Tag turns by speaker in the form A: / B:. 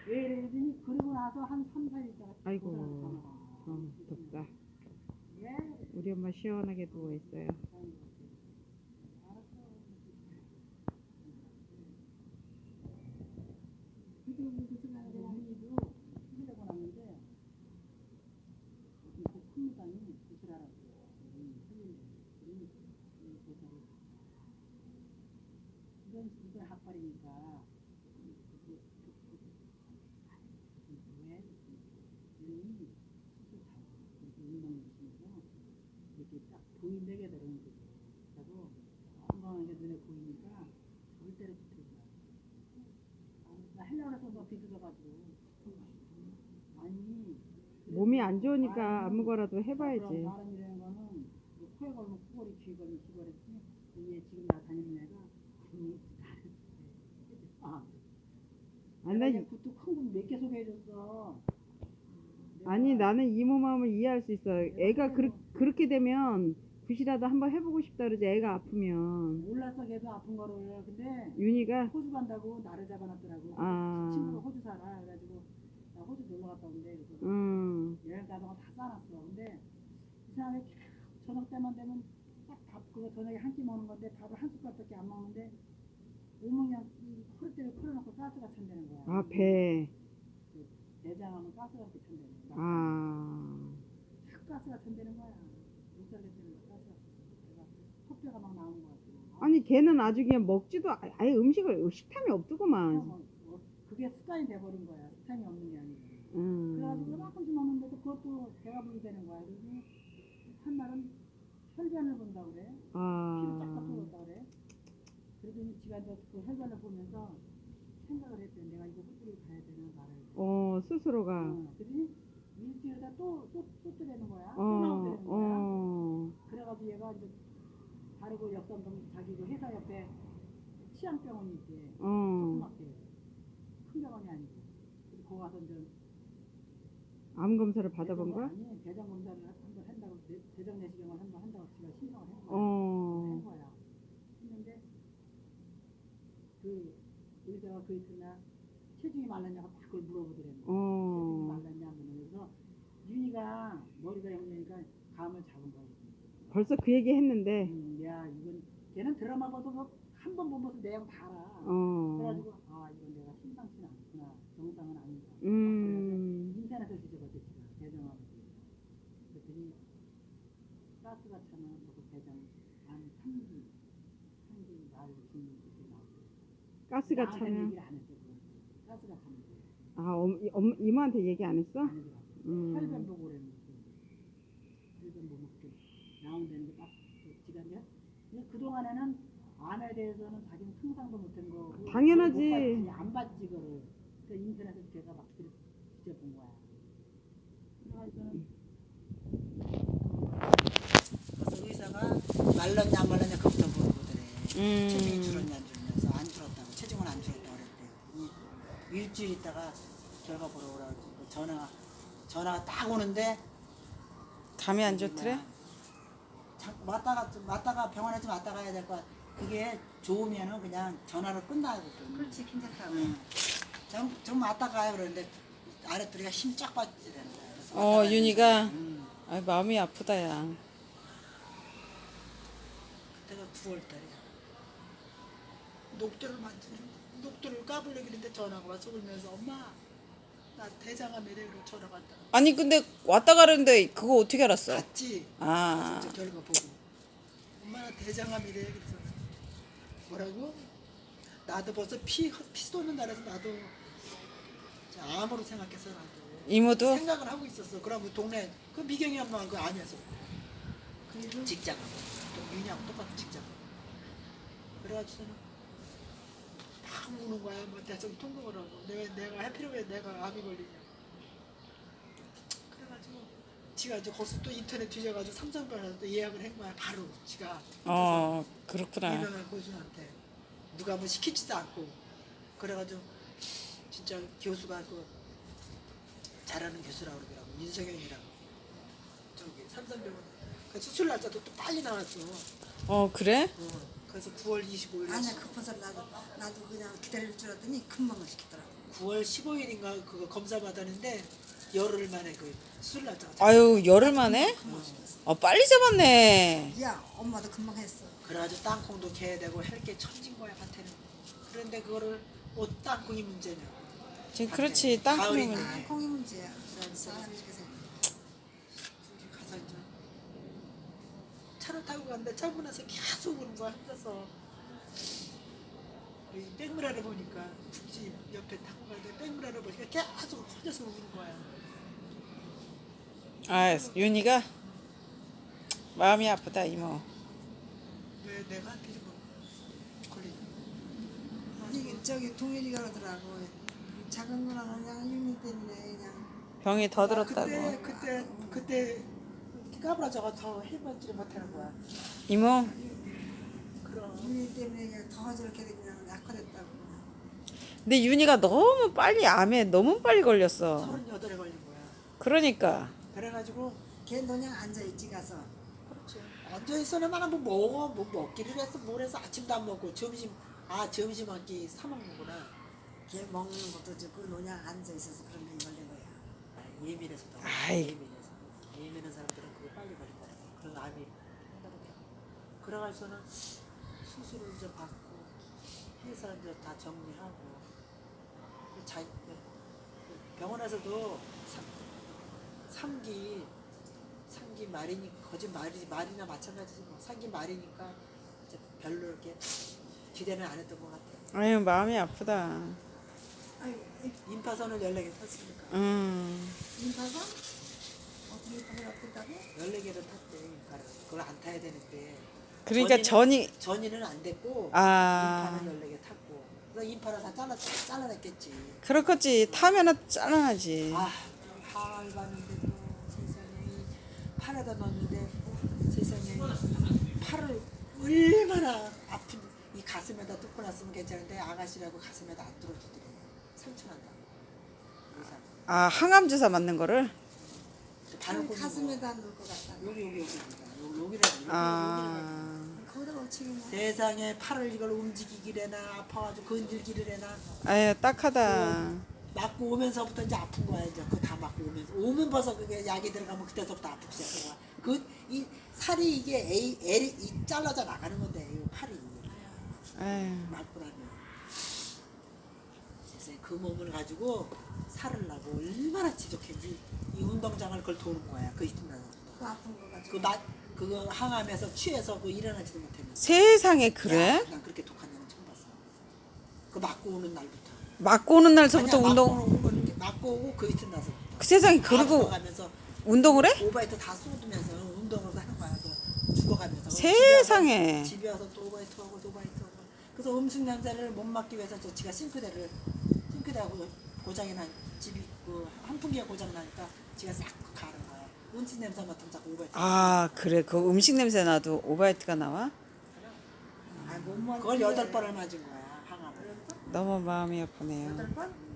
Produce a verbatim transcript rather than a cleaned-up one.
A: 왜 이러더니 그러고 나서 한 삼, 사 일 있다가
B: 아이고,
A: 고생을
B: 어, 덥다.
A: 예.
B: 우리 엄마 시원하게 누워 있어요.
A: 그래도 우리 그 생각에 언니도 힘들고 났는데 그 큰무당이 구슬하라고 이건 이건 학발이니까 왜 이름이 수술 잘 운동 중에서 이렇게 딱 보인다게 되는 거죠. 그리고 건강하게 눈에 보이니까 절대로 붙이지 마. 나 하려고 해서 너 비틀어가지고 아니
B: 몸이 안 좋으니까 아무거라도 해봐야지.
A: 사람이라는 거는 코에 걸면 코걸이, 귀에 걸면 귀걸이지. 얘 지금 나 다니는 애가 아니 아
B: 아니,
A: 내가
B: 나,
A: 얘 굿도 큰굿 몇 개 소개해줬어.
B: 아니 나는 이모 마음을 이해할 수 있어. 애가 그르, 그렇게 되면 굿이라도 한번 해보고 싶다 그러지. 애가 아프면.
A: 몰랐어 걔도 아픈 거를. 근데
B: 윤희가
A: 호주 간다고 나를 잡아놨더라고.
B: 아.
A: 친구가 호주 살아. 그래가지고 나 호주 놀러 갔다 온대. 그래서
B: 음,
A: 여행 가다가 다 싸놨어. 근데 이상하게 저녁 때만 되면 딱 밥 그거 저녁에 한 끼 먹는 건데 밥을 한 숟갈밖에 안 먹는데 몸은 그냥 허리띠를 풀어놓고 가스가 찬다는 거야.
B: 아, 배.
A: 그 내장하면 가스가 이렇게 찬다는 거야.
B: 아,
A: 탁 가스가 찬다는 거야. 못 살겠다는 거야. 가스가. 내가 턱뼈가 막 나오는 거 같아.
B: 아니 걔는 아주 그냥 먹지도 아- 아예 음식을 식탐이 없더구만.
A: 뭐, 뭐, 그게 습관이 돼버린 거야. 습관이 없는 게 아니고.
B: 음,
A: 그래가지고 이만큼씩 먹는데도 그것도 배가 부르게 되는 거야. 그래서 한날은 혈변을 본다 그래. 피를 쫙쫙
B: 아,
A: 쏟았다 그래. 그러더니 지가 이제 그 혈변을 보면서 생각을 했대. 내가 이거 호주를 가야 되나 말아야 되나.
B: 어 스스로가.
A: 어, 그러더니 일주일에다 또, 또, 또 뜨라는 거야. 또
B: 어,
A: 나오더라는 거야.
B: 어,
A: 그래가지고 얘가 이제 바르고 역삼동 자기 그 회사 옆에 치안병원이 있대.
B: 어.
A: 조그맣게. 큰 병원이 아니고. 그래서 거기 가서 이제
B: 암 검사를 받아본 거야?
A: 아니 대장 검사를 한번 한다고 내- 대장 내시경을 한번 한다고 지가 신청을 한 거야.
B: 어,
A: 한 거야. 했는데 그 의사가 그 이튿날 체중이 말랐냐고 막 그걸 물어보더라고. 체중이
B: 어.
A: 말랐냐 그러면서 윤희가 머리가 영리니까 감을 잡은 거야.
B: 벌써 그 얘기 했는데.
A: 음, 야 이건 걔는 드라마 봐도 뭐 한 번 보면서 내용 다 알아.
B: 어.
A: 그래가지고 아 이건 내가 심상치는 않구나. 정상은 아니다.
B: 음.
A: 그래서 인터넷에 뒤져봤지 대장암. 그랬더니 가스가 차면 그 대장 안 삼 기 삼 기 말 죽는 것이 나오고.
B: 가스가
A: 나한테는
B: 차면.
A: 얘기를 안 했어. 그거. 가스가 차면 돼.
B: 아, 엄, 이- 엄, 이모한테 얘기 안 했어?
A: 안 해더라고.
B: 음.
A: 혈변 보고 그랬는데 혈변 보고 그 나온다는 게딱 지가 이제 근데 그동안에는 암에 대해서는 자기는 상상도 못한 거고
B: 당연하지.
A: 못 봤지, 안 봤지 그거를. 그 인터넷에서 걔가 막 그래 뒤져본 거야. 그래가지고는 그래서 의사가 말랐냐 안 말랐냐 그부터 물어보더래.
B: 음.
A: 체중이 줄었냐 안 줄었냐. 안 줄었다고. 체중은 안 줄었다고 그랬대요. 이- 일주일 있다가 결과 보러 오라고 그러고 전화 전화가 딱 오는데
B: 감이 안 좋더래?
A: 자, 왔다가 왔다가 병원에 좀 왔다 가야 될 것 같아. 그게 좋으면은 그냥 전화로 끝나거든.
C: 그렇지, 괜찮다고.
A: 응. 좀, 좀 왔다 가요 그러는데 아랫도리가 힘 쫙 빠지더라는 거야. 그래서
B: 어,
A: 왔다 가야
B: 윤희가?
A: 되는데, 응.
B: 아, 마음이 아프다, 야.
A: 그때가 구월 달이야. 녹두를 만지는 녹두를 까불려 그랬는데 전화가 와서 울면서 엄마 나 대장암이래 그러고 전화가 왔다.
B: 아니, 근데 왔다 가는데 그거 어떻게 알았어?
A: 갔지.
B: 아.
A: 진짜 결과 보고 엄마 나 대장암이래 그래서 뭐라고? 나도 벌써 피, 피 쏟는 날에서 나도 암으로 생각했어 나도.
B: 이모도?
A: 생각을 하고 있었어. 그럼 그 동네 그 미경이 엄마 그 암에서 그 직장하고 또 윤희하고 똑같은 직장. 그래가지고는 막 우는 거야. 뭐 대충 통곡을 하고 내가 내가 해피를 왜 내가 암이 걸리냐. 그래가지고 지가 이제 거기서 또 인터넷 뒤져가지고 삼성병원에서 또 예약을 한 거야. 바로 지가.
B: 어, 그렇구나.
A: 유명한 교수한테 누가 뭐 시키지도 않고 그래가지고 진짜 교수가 그 잘하는 교수라고 그러더라고. 윤석영이라고 저기 삼성병원 그 수술 날짜도 또 빨리 나왔어.
B: 어, 그래?
A: 어, 그래서 구월 이십오일
C: 아니야, 급해서 나도 나도 그냥 기다릴 줄 알았더니 금방 시키더라고.
A: 구월 십오일인가 그거 검사 받았는데 열흘 만에 그 수술 날짜가
B: 아유 열흘 만에? 어 빨리 잡았네.
C: 야, 엄마도 금방 했어.
A: 그래가지고 땅콩도 개야 되고 할 게 천진 거야 밭에는. 그런데 그거를 뭐 땅콩이 문제냐.
B: 지금 그렇지 땅콩이면
A: 가을이네.
C: 아, 콩이 문제야.
A: 그래서
C: 사람이 그래서
A: 둘이 가서 이제 차를 타고 갔는데 차고 나서 계속 오는 거야 혼자서. 이 백무라를 보니까 국지 옆에 타고 가는데 백무라를 보니까 계속 혼자서 우는 거야.
B: 아 윤희가 마음이 아프다 이모.
A: 왜 내가 한테 뭐 걸리냐.
C: 이게 저기 동일이가 그러더라고. 작은 누나는 그냥 윤희 때문에 그냥
B: 병이 더 들었다고.
A: 그때 그때 그때 까불어져가 더 해보지를 못하는 거야.
B: 이모
A: 그럼
C: 윤희 때문에 그냥 더 저렇게 그냥 약화됐다고.
B: 근데 윤희가 너무 빨리 암에 너무 빨리 걸렸어.
A: 서른여덟에 걸린 거야.
B: 그러니까
A: 그래가지고
C: 걔 그냥 앉아 있지 가서.
A: 그렇지. 앉아 있으면 뭐 먹어 뭐 먹기를 했어 뭘 해서 아침도 안 먹고 점심 아 점심 한 끼 사 먹는구나.
C: 걔 먹는 것도 좋고 그냥 앉아 있어서 그런 게 걸린 거야.
A: 아, 예민해서 더
B: 아이.
A: 예민해서 예민한 사람들은 그게 빨리 걸린다. 그런 암이 한다고. 그래가지고는 수술을 이제 받고 해서 이제 다 정리하고 자 병원에서도 삼 기 삼 기 말이니 거짓 말이 말이나 마찬가지지 뭐 삼 기 말이니까 이제 별로 이렇게 기대는 안 했던 것 같아.
B: 아유 마음이 아프다.
C: 아이고,
A: 임파선을 열네 개 탔으니까
B: 음
C: 임파선? 어떻게 임파선 어떻다고?
A: 열네 개를 탔대 임파를. 그걸 안 타야 되는데
B: 그러니까
A: 전이는-
B: 전이
A: 전이는 안 됐고
B: 아
A: 임파는 열네 개 탔고 그래서 임파를 다 잘라 잘라냈겠지.
B: 그렇겠지 타면은 짠하지.
A: 아, 파를 봤는데도 세상에 팔에다 넣었는데 세상에 팔을 얼마나 아픈 이 가슴에다 뚫고 났으면 괜찮은데 아가씨라고 가슴에다 안 뚫어주더래. 상처난다. 의사.
B: 아 항암 주사 맞는 거를
A: 바늘 꽂는 거.
C: 가슴에다 넣을 것 같다.
A: 여기 여기 여기 여기 여기라 여기
B: 아
C: 거기다 놓치겠네.
A: 세상에 팔을 이걸 움직이기래나 아파가지고 건들기를 해나
B: 아유 딱하다.
A: 맞고 오면서부터 이제 아픈 거야 이제 그거 다 맞고 오면서 오면 벌써 그게 약이 들어가면 그때서부터 아프기 시작한 거야. 그 이 살이 이게 A, L 이 잘라져 나가는 건데 이 팔이
B: 아유
A: 맞고 나면 세상에 그 몸을 가지고 살을 나고 얼마나 지독했지. 이 운동장을 그걸 도는 거야 그 이튿날.
C: 그 아픈 거 가지고.
A: 그 맛 그거 항암에서 취해서 그 일어나지도 못했는데.
B: 세상에 그래?
A: 야, 난 그렇게 독한 애는 처음 봤어. 그 맞고 오는 날부터.
B: 맞고 오는 날서부터
A: 아니야,
B: 운동.
A: 맞고 오는 게 맞고 오고 그 이튿날서부터.
B: 그 세상에 그리고
A: 가면서
B: 운동을 해?
A: 오바이트 다 쏟으면서 운동을 하는 거야. 그 죽어가면서.
B: 세상에.
A: 집에 와서 또 오바이트 하고 또 오바이트 하고. 그래서 음식 냄새를 못 맡기 위해서 저 지가 싱크대를 싱크대하고 고장이 난 집이 그 환풍기가 고장 나니까 지가 싹 가는 거야. 음식 냄새 맡으면 자꾸 오바이트.
B: 아 그래 그 음식 냄새 나도 오바이트가 나와?
C: 아, 몸만
A: 그걸 여덟 번을 맞은 거야 항암을.
B: 너무 마음이 아프네요.
C: 여덟 번?